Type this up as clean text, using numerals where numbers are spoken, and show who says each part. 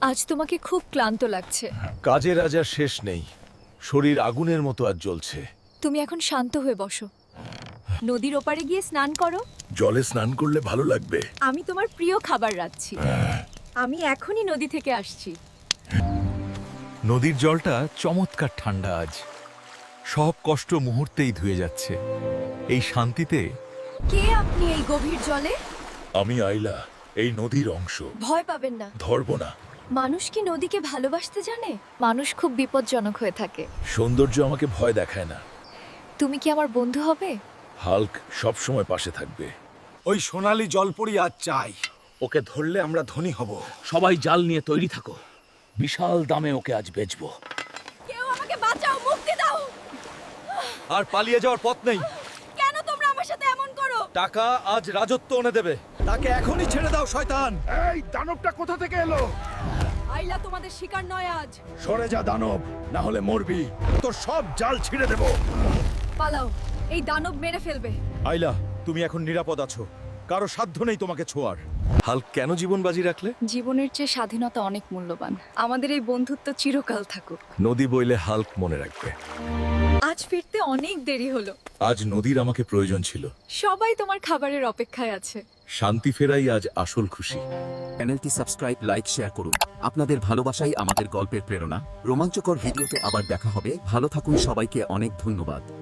Speaker 1: আজ তোমাকে খুব ক্লান্ত লাগছে।
Speaker 2: কাজের আজ আর শেষ নেই, শরীর আগুনের মতো আজ জ্বলছে।
Speaker 1: তুমি এখন শান্ত হয়ে বসো, নদীর ওপারে গিয়ে স্নান করো।
Speaker 2: জলে স্নান করলে ভালো লাগবে।
Speaker 1: আমি তোমার প্রিয় খাবার রাঁধছি। আমি এখনই নদী থেকে আসছি।
Speaker 3: নদীর জলটা চমৎকার ঠান্ডা আজ, সব কষ্ট মুহূর্তেই ধুয়ে যাচ্ছে। এই শান্তিতে
Speaker 1: কে আপনি এই গভীর জলে?
Speaker 2: আমি আইলা, এই নদীর অংশ।
Speaker 1: ভয় পাবেন না,
Speaker 2: ধরবো না।
Speaker 1: মানুষ কি নদীকে ভালোবাসতে জানে? মানুষ খুব বিপজ্জনক হয়ে থাকে।
Speaker 2: সৌন্দর্য আমাকে ভয় দেখায় না।
Speaker 1: তুমি কি আমার বন্ধু হবে?
Speaker 2: হাল্ক সব সময় পাশে থাকবে।
Speaker 4: ওই সোনালী জলপরি আজ চাই। ওকে ধরলে আমরা ধনী হব।
Speaker 5: সবাই জাল নিয়ে তৈরি থাকো, বিশাল দামে ওকে আজ বেচবো।
Speaker 1: কেউ আমাকে বাঁচাও, মুক্তি দাও।
Speaker 3: আর পালিয়ে যাওয়ার পথ নেই।
Speaker 1: কেন তোমরা আমার সাথে এমন করো?
Speaker 3: টাকা আজ রাজত্ব এনে দেবে।
Speaker 4: তাকে এখনই ছেড়ে দাও শয়তান।
Speaker 2: এই দানবটা কোথা থেকে এলো?
Speaker 1: আইলা তোমাদের শিকার নয় আজ।
Speaker 2: সরে যা দানব, না হলে মরবি। তোর সব জাল ছিঁড়ে দেব।
Speaker 1: পালাও, এই দানব মেরে ফেলবে।
Speaker 3: আইলা, তুমি এখন নিরাপদ আছো, কারো সাধ্য নেই তোমাকে ছোঁয়ার। হাল্ক কেন জীবন বাজি রাখলে?
Speaker 1: জীবনের চেয়ে স্বাধীনতা অনেক মূল্যবান। আমাদের এই বন্ধুত্ব চিরকাল থাকুক।
Speaker 3: নদী বইলে হাল্ক মনে রাখবে।
Speaker 1: আজ ফিরতে অনেক দেরি হলো।
Speaker 2: আজ নদীর আমাকে প্রয়োজন ছিল।
Speaker 1: সবাই তোমার খাবারের অপেক্ষায় আছে।
Speaker 2: শান্তি ফেরাই আজ আসল খুশি।
Speaker 6: চ্যানেলটি সাবস্ক্রাইব, লাইক, শেয়ার করুন। আপনাদের ভালোবাসাই আমাদের গল্পের প্রেরণা। রোমাঞ্চকর ভিডিওতে আবার দেখা হবে। ভালো থাকুন, সবাইকে অনেক ধন্যবাদ।